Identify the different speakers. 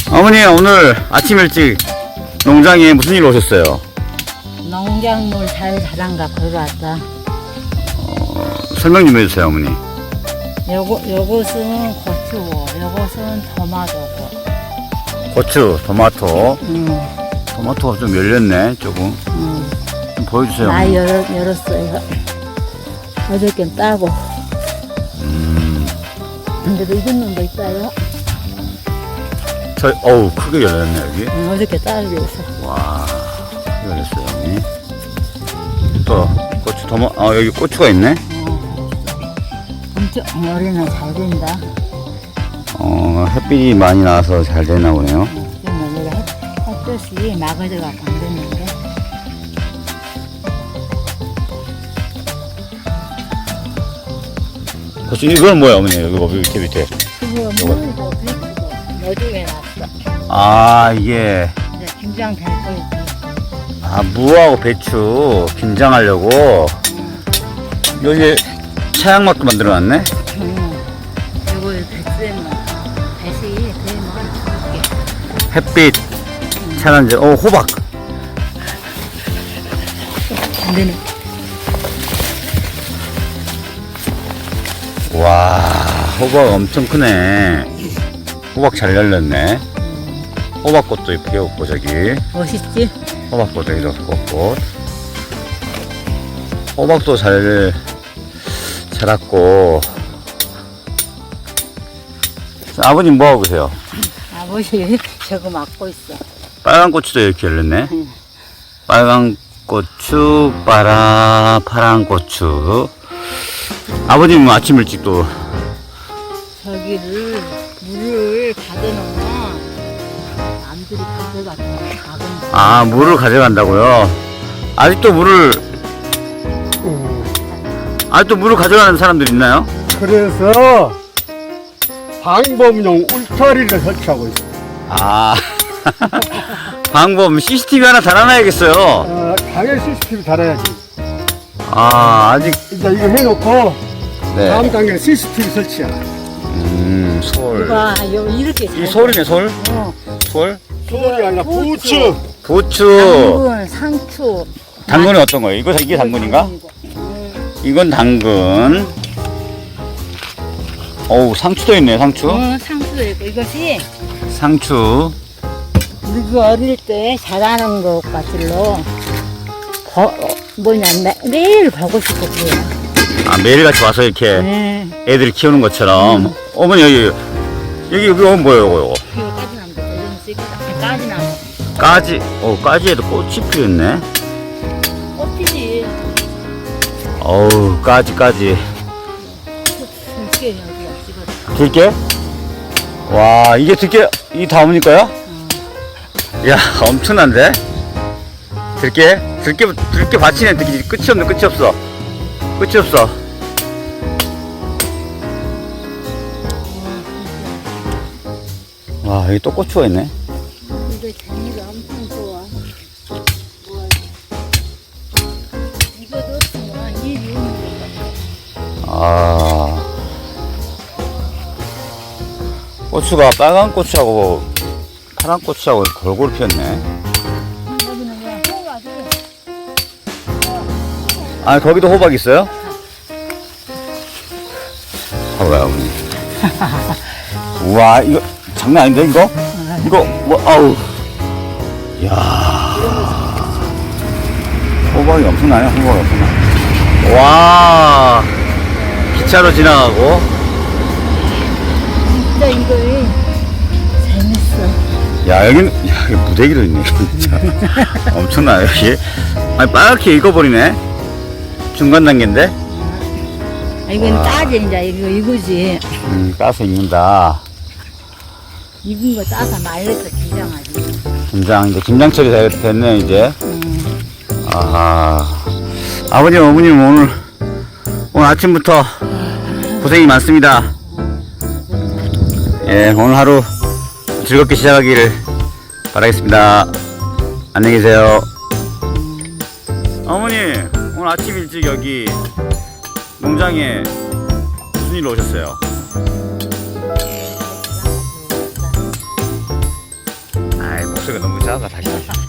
Speaker 1: 어머니 오늘 아침 일찍 농장에 무슨 일로 오셨어요?
Speaker 2: 농작물 잘 자란가 보러 왔다.
Speaker 1: 설명 좀 해주세요 어머니.
Speaker 2: 요것은 고추고, 요것은 토마토고.
Speaker 1: 고추, 토마토. 토마토가 좀 열렸네 조금. 좀 보여주세요
Speaker 2: 나
Speaker 1: 어머니.
Speaker 2: 열었어요. 어저께 따고. 근데도 익은 놈도 있어요.
Speaker 1: 어우 크게 열렸네 여기.
Speaker 2: 어저께 따로 있어.
Speaker 1: 와 크게 열렸어요 어머니. 또 고추, 여기 고추가 있네.
Speaker 2: 엄청 올해는 잘 된다.
Speaker 1: 햇빛이 많이 나와서 잘 되나 보네요.
Speaker 2: 지금 여기가 햇볕이 막아져갖고 안 됐는데.
Speaker 1: 고추 이건 뭐야 어머니? 이거 밑에.
Speaker 2: 그거 물도 비치고 너중에 놨어.
Speaker 1: 아 이게
Speaker 2: 이제 김장 될 거지.
Speaker 1: 무하고 배추 김장하려고 여기 차양막도 만들어놨네.
Speaker 2: 이걸 배추에만 배시 되면 줄게.
Speaker 1: 햇빛 차단제. 호박.
Speaker 2: 안 되네.
Speaker 1: 와 호박 엄청 크네. 호박 잘 열렸네. 호박꽃도 예쁘게 웃고 저기
Speaker 2: 멋있지?
Speaker 1: 호박꽃도 이렇게 꽃. 호박도 잘 자랐고. 아버님 뭐하고 계세요?
Speaker 2: 아버지 저거 막고 있어.
Speaker 1: 빨간 고추도 이렇게 열렸네. 빨간 고추, 파란 고추. 아버님 아침 일찍 또
Speaker 2: 저기를 물을 가져놓으면 남들이 가져가서
Speaker 1: 물을 가져간다고요? 아직도 물을 가져가는 사람들 있나요?
Speaker 3: 그래서 방범용 울타리를 설치하고 있어요.
Speaker 1: 방법 CCTV 하나 달아놔야겠어요.
Speaker 3: 당연히 CCTV 달아야지.
Speaker 1: 아직
Speaker 3: 이제 이거 해놓고
Speaker 1: 네.
Speaker 3: 다음 단계는 CCTV 설치야.
Speaker 1: 솔.
Speaker 2: 누가 이렇게 잘
Speaker 1: 이 솔이네 솔. 솔.
Speaker 3: 소울이 아니라 부추.
Speaker 1: 부추.
Speaker 2: 당근, 상추.
Speaker 1: 당근은 어떤 거예요? 이게 당근인가? 이건 당근. 어우 상추도 있네 상추.
Speaker 2: 상추도 있고 이것이
Speaker 1: 상추.
Speaker 2: 우리가 어릴 때 자라는 것 같을로 매일 보고 싶고 그래요.
Speaker 1: 매일같이 와서 이렇게 애들 키우는 것처럼. 어머니 여기 뭐예요 이거?
Speaker 2: 이거 까지나무도 이런 쓰기다. 까지나무.
Speaker 1: 까지에도 꽃이 피었네.
Speaker 2: 꽃피지.
Speaker 1: 어우 까지.
Speaker 2: 들깨 여기가 찍었다.
Speaker 1: 들깨? 와 이게 들깨 이 다음이 거야? 야 엄청난데? 들깨 받치네. 끝이 없어. 와 여기 또 고추가 있네.
Speaker 2: 이거 재미가 엄청 좋아. 이것도 없으면 일이 없는 거.
Speaker 1: 고추가 빨간 고추하고 파란 고추하고 골고루 피었네.
Speaker 2: 여기는 그냥 호박이
Speaker 1: 거기도 호박 있어요? 봐봐요 어머니. 우와 이거 장난 아닌데 이거? 이거 아우. 이야 호박이 엄청나네. 와 기차로 지나가고.
Speaker 2: 진짜 이거 재밌어.
Speaker 1: 야 여기 무대기도 있네 진짜. 엄청나요 여기. 빨갛게 익어버리네. 중간 단계인데.
Speaker 2: 이건 따지 이제 이거지.
Speaker 1: 따서 익는다.
Speaker 2: 익은 거 따서 말려서 김장하지.
Speaker 1: 이제 김장철이 됐네 이제. 아버님 어머님 오늘 아침부터 고생이 많습니다. 예 오늘 하루 즐겁게 시작하기를 바라겠습니다. 안녕히 계세요. 어머니 오늘 아침 일찍 여기 농장에 무슨 일로 오셨어요? 목소리가 너무 작아 다시.